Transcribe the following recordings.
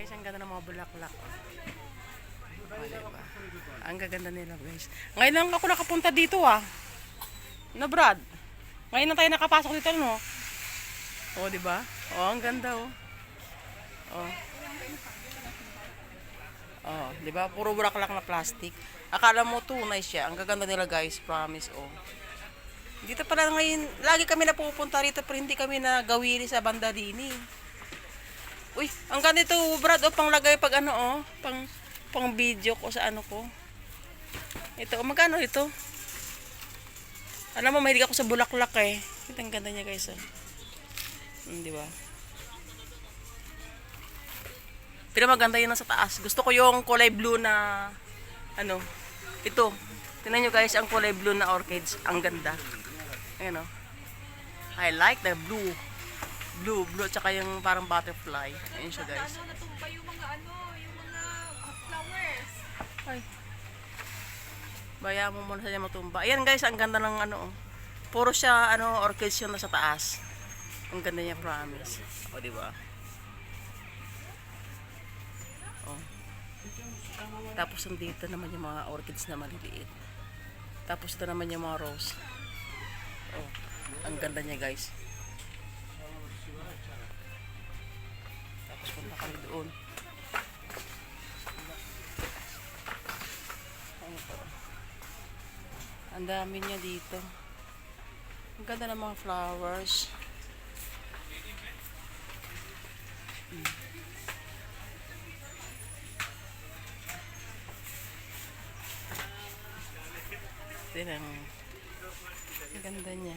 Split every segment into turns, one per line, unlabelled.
Guys, ang ganda ng mga bulaklak. Oh, diba? Ang gaganda nila, guys. Ngayon lang ako nakapunta dito, ah. No, Brad? Ngayon na tayo nakapasok dito, no? Oh, diba? Oh, ang ganda, oh. Oh. Oh, diba? Puro bulaklak na plastic. Akala mo tunay siya. Ang gaganda nila, guys. Promise, oh. Dito pala ngayon, lagi kami na pupunta rito pero hindi kami nagawili sa banda din, eh. Uy, ang ganito, Brad, oh, panglagay pag ano, oh, pang video ko sa ano ko. Ito, oh, magkano ito? Alam mo, mahilig ako sa bulaklak, eh. Ito, ang ganda niya, guys, oh. Di ba? Pero maganda yun sa taas. Gusto ko yung kulay blue na, ano, ito. Tingnan nyo, guys, ang kulay blue na orchids. Ang ganda. Ayan, oh. I like the blue. Blue, tsaka yung parang butterfly. Ayun siya, guys.
Natumba yung mga flowers.
Ay. Baya mo muna siya matumba. Ayan, guys, ang ganda ng ano, oh. Puro siya, ano, orchids yun na sa taas. Ang ganda niya, promise. O, diba? O. Tapos, nandito naman yung mga orchids na maliliit. Tapos, ito naman yung mga rose. O. Ang ganda niya, guys. Punta kami doon. Ang dami niya dito. Ang ganda ng mga flowers. Tingnan. Ang ganda niya.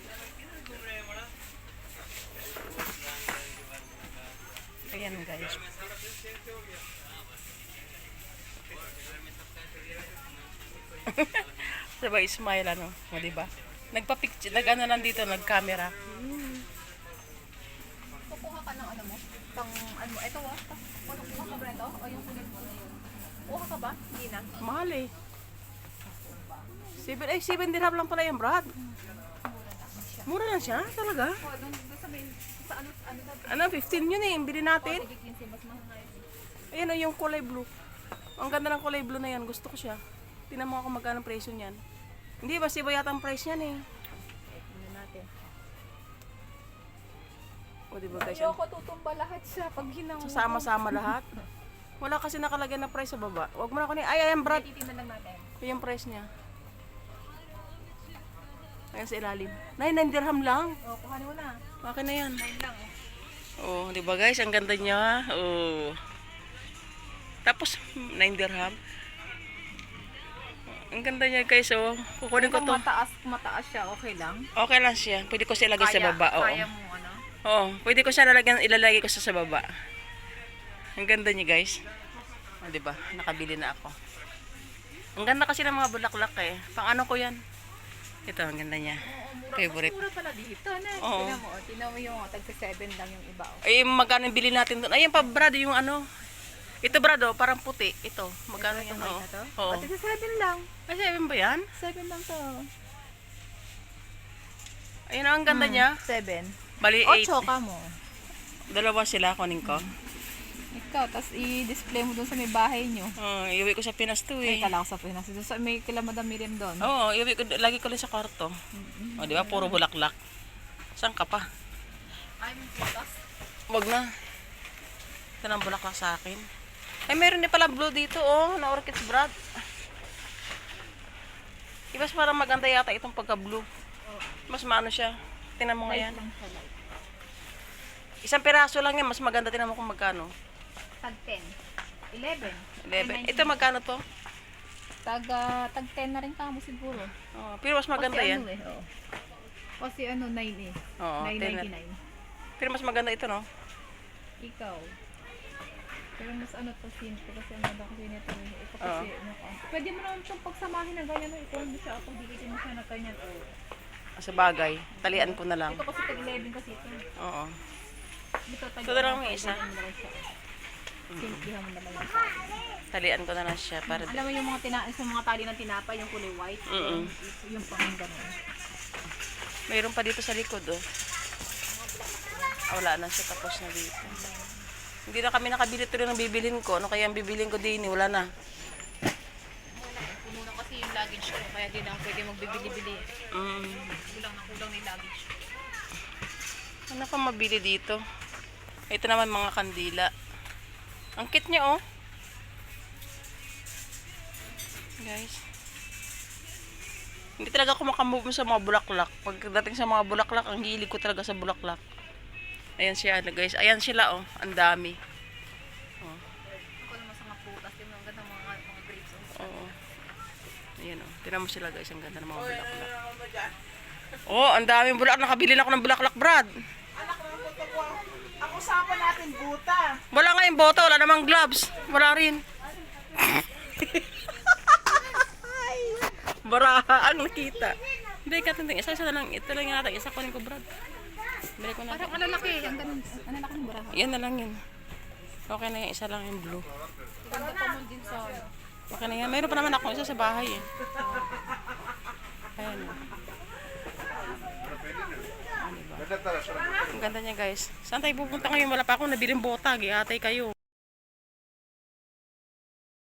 Ayan, guys. Sabay smile, ano, o, diba? Nagpa-picture, nag-ano lang dito, nag-camera.
Kukuha ka ng ano mo? Ano, ito ah. Kukuha ka ba ito? O yung kulay mo na yun? Kuha ka ba? Hindi na.
Mahal, eh. 7 dirham lang pala yung Brad. Mura lang siya, talaga.
O, doon sa main, sa ano
Ano, 15 yun eh, bili natin.
sige, 15, mas mahal.
Ayan o, yung kulay blue. Ang ganda ng kulay blue na yan, gusto ko siya. Tingnan mo ako magkano ang presyo niyan. Hindi, basta iba yata ang price niyan eh.
Tingnan natin.
O, diba guys?
Ayoko tutumba lahat siya pag hinang.
Sasama-sama lahat. Wala kasi nakalagay na price sa baba. Huwag mo na ako ni... Ay, ayan, Brad.
Titingnan lang natin.
Yung price niya. Ayan sa ilalim. 9 dirham lang.
O, kuhanin mo na.
Akin na yan.
9 lang
Oh, di ba guys? Ang ganda niya. Oh. Tapos, 9 dirham. Ang ganda niya guys, oh. Kukunin ko to.
Mataas siya, okay lang?
Okay lang siya. Pwede ko siya ilagay sa baba. Oo.
Kaya mo ano?
Oo. Pwede ko siya ilalagay ko siya sa baba. Ang ganda niya guys. Oh, di ba? Nakabili na ako. Ang ganda kasi ng mga bulaklak eh. Pang ano ko yan? Ito, ang ganda niya. Favorite.
Mas mura pala dito, na.
Oo.
Tingnan mo yung tagsa 7 lang yung iba. Oh.
Ay, magkano yung bili natin doon? Ayan pa, Brad, yung ano. Ito, Brad, oh, parang puti. Ito, magkano
Ito,
yung
white
ano?
na to?
Oo.
Tagsa 7 lang.
Ay, 7 ba yan?
7 lang to.
Ayun, ang ganda niya.
7.
Bali, 8.
8 ka mo.
Dalawa sila, kunin ko.
Ikaw, tapos i-display mo dun sa may bahay nyo.
Iuwi ko sa Pinas to
Ay,
eh.
kala ko sa Pinas. Dun sa may kila Madam Miriam doon.
Oo, iuwi ko, lagi ko lang sa kwarto. O, di ba? Puro bulaklak. Saan ka pa?
Ay, may putas.
Wag na. Ito ng bulaklak sa akin. Ay, meron din pala blue dito, oh, na orchids, Brad. Ibas parang maganda yata itong pagka-blue. Mas maano siya. Tingnan mo nga yan. Isang piraso lang yan, mas maganda. Tingnan mo kung magkano.
Tag 10. 11.
11. Ito magkano to?
Tag 10 na rin kamo siguro.
Oh, pero mas maganda yan.
Ano, oh. Kasi ano, 9 eh.
Oo,
9.99.
Pero mas maganda ito, no?
Ikaw. Pero mas ano to, simple kasi ang ganda kasi nito. Ito kasi, ano ka. Pwede mo naman itong pagsamahin ng ganyan. Ito mo siya ako, dikitin mo siya na ganyan.
Sa bagay, talian ko na lang.
Ito kasi tag 11 kasi ito.
Oo.
Ito tag
Ito na lang may isa.
Simplihan mo na lang.
Talian ko na lang siya para
Alam mo yung mga tali ng tinapay, yung kulay white. Yung pang gano'n.
mayroon pa dito sa likod, oh. Wala na siya, tapos na dito. Hindi na kami nakabili tuloy ng bibilhin ko. Ano kaya ang bibilhin ko din? Wala na.
Puno na kasi yung luggage ko, kaya di na ako pwede magbibili-bili.
Mm.
Kulang na kulang na yung luggage.
Ano pa mabili dito? Ito naman mga kandila. Ang cute niya, oh. Guys. Hindi talaga ako makamove sa mga bulaklak. Pagdating sa mga bulaklak, ang hilig ko talaga sa bulaklak. Ayan siya, guys. Ayan sila, oh. Ang dami. Oh.
Ako naman sa mga prutas, yung mga ganda mga grapes.
Oo. Ayan, oh. Tignan mo sila, guys. Ang ganda ng mga bulaklak. Oh, ang daming bulaklak. Nakabili na ako ng bulaklak, Brad.
Anak ng buto ko. Ang usapan natin, buta.
Wala nga yung boto. Wala namang gloves. Wala rin. Baraha ang nakita. Hindi ka tinting. Isa na lang. Ito lang yung natin. Isa kunin ko, Brad. Bili ko na.
Parang alalaki, ang ganun, ang lalaki ng baraha.
Yan na lang yun. Okay na yan. Isa lang yung blue.
Ganda pa mo din sa
Okay na yan. Mayroon pa naman ako isa sa bahay eh. Ayan. Ang ganda niya guys. Saan tayo pupunta ngayon? Wala pa akong nabiling bota. Giatay kayo.